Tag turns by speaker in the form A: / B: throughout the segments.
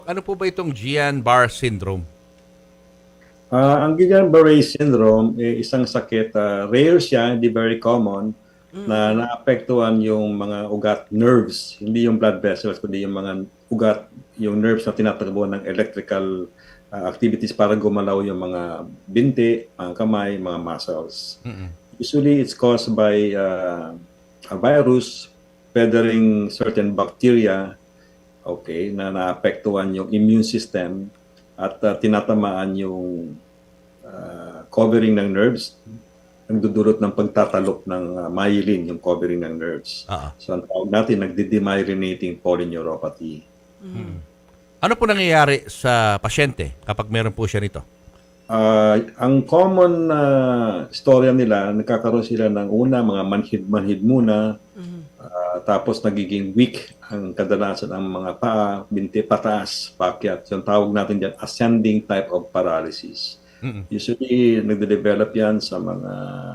A: Ano po ba itong Guillain-Barré syndrome?
B: Ang Guillain-Barré syndrome, isang sakit, rare siya, hindi very common, na naapektuhan yung mga ugat nerves, hindi yung blood vessels, kundi yung mga ugat, yung nerves na tinatakbo ng electrical activities para gumalaw yung mga binti, mga kamay, mga muscles. Usually, it's caused by a virus feathering certain bacteria, okay, na naapektuhan yung immune system at tinatamaan yung covering ng nerves, nagdudulot ng pagtatalok ng myelin, yung covering ng nerves. So ang tawag natin, nagdi-demyelinating polyneuropathy.
A: Ano po nangyayari sa pasyente kapag meron po siya nito?
B: Ang common storya nila, nagkakaroon sila ng mga manhid-manhid muna, tapos nagiging weak ang kadalasan ang mga paa, binti pataas, paakyat. So, ang tawag natin diyan, ascending type of paralysis. Usually, nagde-develop yan sa mga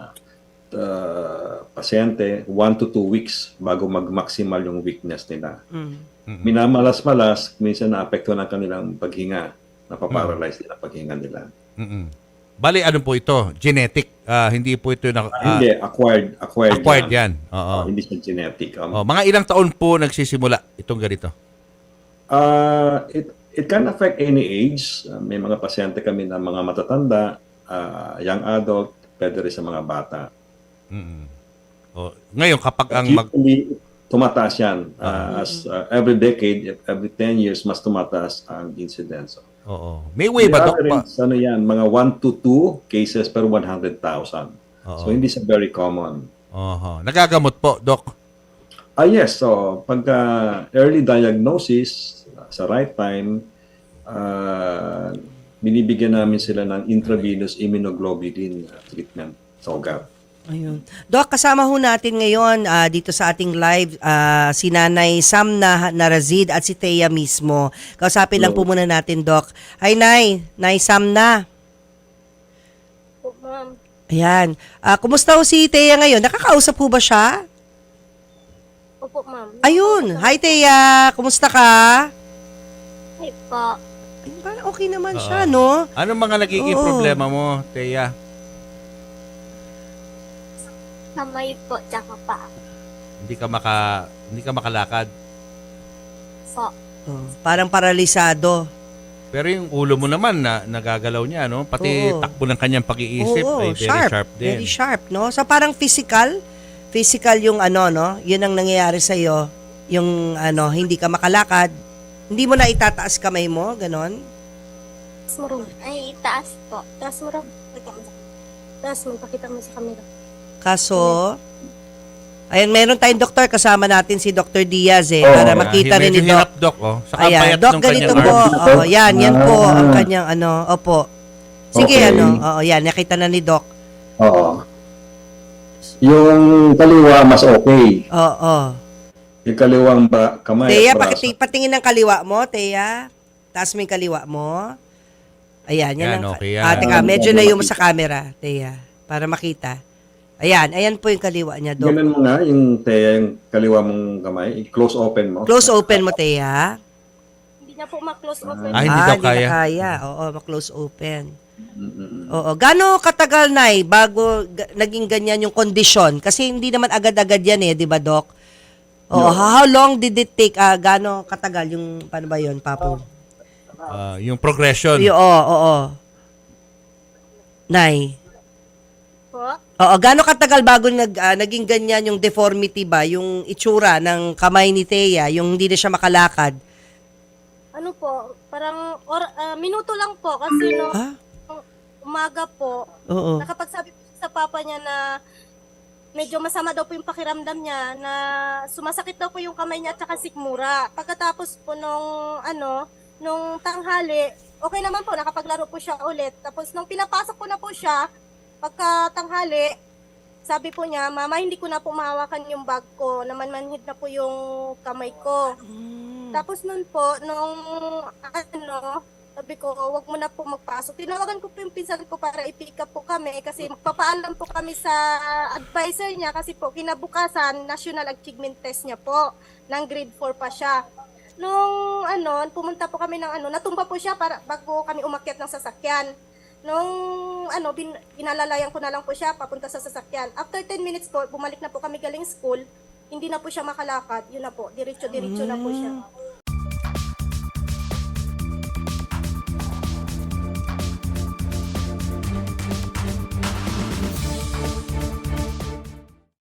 B: pasyente 1 to 2 weeks bago mag-maximal yung weakness nila. Minamalas-malas, minsan naapektuhan ang kanilang paghinga, napaparalyze din ang paghinga nila.
A: Bali, ano po ito? Genetic. Hindi po ito
B: hindi, acquired
A: yan. Oo.
B: Hindi siya genetic.
A: Mga ilang taon po nagsisimula itong ganito?
B: It can affect any age. May mga pasyente kami na mga matatanda, young adult, pwede rin sa mga bata.
A: Ngayon, kapag ang
B: Usually, tumataas yan. Every decade, every 10 years, mas tumataas ang incidence.
A: Oo. May way ba, Dok?
B: Ano yan, mga 1 to 2 cases per 100,000. So, hindi siya very common.
A: Nagagamot po, Dok?
B: Yes. So, pagka early diagnosis, sa right time, binibigyan namin sila ng intravenous immunoglobulin treatment sa ugat.
C: Ayun. Doc, kasama ho natin ngayon dito sa ating live si Nanay Sam Narazid at si Thea mismo. Kausapin lang po muna natin, Doc. Hi, Nay Sam na.
D: Po, ma'am.
C: Ayan. Kumusta ho si Thea ngayon? Nakakausap po ba siya?
D: Opo, ma'am.
C: Ayun. Hi, Thea. Kumusta ka?
D: Hi po.
C: Ayun, parang okay naman siya, no?
A: Anong mga nagiging problema mo, Thea?
D: Kamay po, tsaka pa.
A: Hindi ka makalakad.
D: Po.
C: Parang paralisado.
A: Pero yung ulo mo naman na nagagalaw niya, no? Pati takbo ng kanyang pag-iisip ay very sharp din.
C: Very sharp, no? So parang physical yung no? Yun ang nangyayari sa iyo, yung hindi ka makalakad, hindi mo na itataas kamay mo, ganon.
D: Taas mo rin. Ay, taas po. Taas mo rin. Taas mo, pakita mo sa camera.
C: Kaso, ayan, meron tayong doktor, kasama natin si Dr. Diaz para makita rin ni
A: medyo
C: Doc.
A: hirap, Doc, Saka
C: Ayan,
A: payat
C: Doc,
A: nung
C: ganito
A: kanyang
C: po.
A: arms.
C: Yan po ang kanyang opo. Sige,
B: Okay.
C: yan, nakita na ni Doc.
B: Oo. Yung kaliwa, mas okay.
C: Oo.
B: Yung kaliwang kamay
C: Thea,
B: at braso.
C: patingin ng kaliwa mo, Thea. Taas mo yung kaliwa mo. Ayan, yan.
A: Yan, okay yan.
C: Teka, medyo layo mo sa camera, Thea, para makita. Ayan po yung kaliwa niya, Doc.
B: Ganun mo nga, yung yung kaliwa mong kamay, close open mo.
C: Close open mo, Thea.
D: Hindi na po ma-close open.
A: Hindi daw
C: Hindi
A: kaya.
C: na kaya. Oo, ma-close open. Oo. Gano'ng katagal, Nay, bago naging ganyan yung kondisyon? Kasi hindi naman agad-agad yan di ba, Doc? Oo. How long did it take? Gano'ng katagal yung, paano ba yun, Papo?
A: Yung progression.
C: Oo. Nay.
D: Po.
C: Oo, gano'ng katagal bago naging ganyan yung deformity ba? Yung itsura ng kamay ni Thea, yung hindi na siya makalakad?
D: Ano po, parang minuto lang po kasi nung umaga po,
C: Oo.
D: nakapagsabi po sa papa niya na medyo masama daw po yung pakiramdam niya, na sumasakit daw po yung kamay niya at saka sikmura. Pagkatapos po nung tanghali, okay naman po, nakapaglaro po siya ulit. Tapos nung pinapasok ko na po siya, pagka tanghali, sabi po niya, Mama, hindi ko na po mahawakan yung bag ko, namanmanhid na po yung kamay ko. Tapos nun po, sabi ko, wag mo na po magpasok. Tinawagan ko po yung pinsan ko para i-pick up po kami kasi magpapaalam po kami sa advisor niya kasi po kinabukasan, national achievement test niya po, ng grade 4 pa siya. Nung pumunta po kami ng natumba po siya para bago kami umakyat ng sasakyan. Nung inalalayan ko na lang po siya papunta sa sasakyan. After 10 minutes po, bumalik na po kami galing school. Hindi na po siya makalakad. Yun na po, diretso-diretso na po siya.